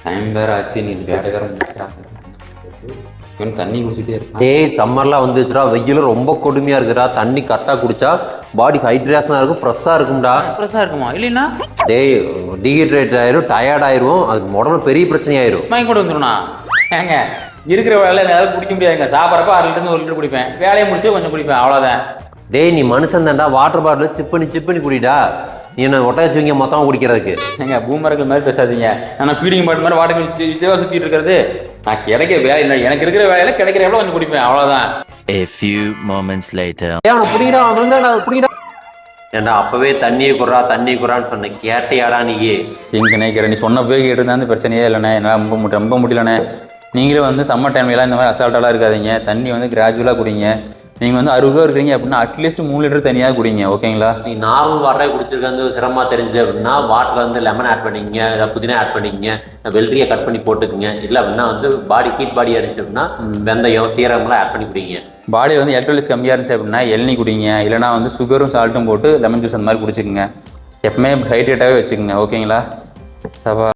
Time வேற ஆச்சு, நீ வேற வேற தண்ணி குடிச்சிட்டே இருக்கு. டேய் சம்மர்லாம் வந்துச்சுடா, வெயில் ரொம்ப கொடுமையா இருக்குடா. தண்ணி கரெக்டாக குடிச்சா பாடி ஹைட்ரேஷனாக இருக்கும், ஃப்ரெஷ்ஷாக இருக்கும்டா. ஃப்ரெஷ்ஷாக இருக்குமா? இல்லைன்னா டேய் டீஹைட்ரேட் ஆயிரும், டயர்ட் ஆயிரும், அதுக்கு உடம்புல பெரிய பிரச்சனை ஆயிரும். மயக்கம் கூட வந்துடும்ண்ணா. ஏங்க இருக்கிற வேலையில் எதாவது குடிக்க முடியாதுங்க. சாப்பிட்றப்ப 6 லிட்டருந்து 1 லிட்டர் குடிப்பேன், வேலையை முடிச்சு கொஞ்சம் குடிப்பேன், அவ்வளோதான். டேய் நீ மனுஷன் தான்டா, வாட்டர் பாட்டில் சிப் பண்ணி குடிடா. நீ என்ன ஒட்ட வச்சுவீங்க மொத்தமாக குடிக்கிறதுக்கு? ஏங்க பூமர்கள் மாதிரி பேசாதீங்க. ஆனால் ஃபீடிங் பாட்டு மாதிரி வாட்டர் சுற்றிட்டு இருக்கிறது. நான் கிடைக்கிற வேலை இல்லை, எனக்கு இருக்கிற வேலையில் கிடைக்கிற எவ்வளோ கொஞ்சம் குடிப்பேன், அவ்வளோதான். A few moments later. அவனை பிடிடா. ஏன்டா அப்பவே தண்ணியை குறான்னு சொன்னேன், கேட்டையாடா நீயே? எங்க நினைக்கிற நீ சொன்ன போய் கேட்டிருந்தா அந்த பிரச்சனையே இல்லைண்ணே. என்னால் ரொம்ப முடியலண்ணே. நீங்களே வந்து சம்மர் டைம்லாம் இந்த மாதிரி அசால்ட்டாலாம் இருக்காதீங்க. தண்ணி வந்து கிராஜுவலாக குடிங்க. நீங்கள் வந்து 60 ரூபா இருக்கிறீங்க அப்படின்னா அட்லீஸ்ட் 3 லிட்டர் தனியாக குடிங்க, ஓகேங்களா? நீ நார்மல் வாட்டரே குடிச்சிருக்க சிரமமாக தெரிஞ்சு அப்படின்னா வாட்டரில் வந்து லெமன் ஆட் பண்ணிக்கங்க, ஏதாவது புதினா ஆட் பண்ணிக்கங்க, வெள்ளரியை கட் பண்ணி போட்டுக்குங்க. இல்லை அப்படின்னா வந்து பாடி ஹீட் பாடி இருந்துச்சு அப்படின்னா வெந்தயம் சீரகம்லாம் ஆட் பண்ணி குடிங்க. பாடியில் வந்து எலக்ட்ரோலைட்ஸ் கம்மியாக இருந்துச்சு அப்படின்னா இளநீ குடிங்க. இல்லைனா வந்து சுகரும் சால்ட்டும் போட்டு லெமன் ஜூஸ் அந்த மாதிரி குடிச்சிக்கங்க. எப்பவுமே ஹைட்ரேட்டாகவே வச்சுக்கோங்க, ஓகேங்களா? சபா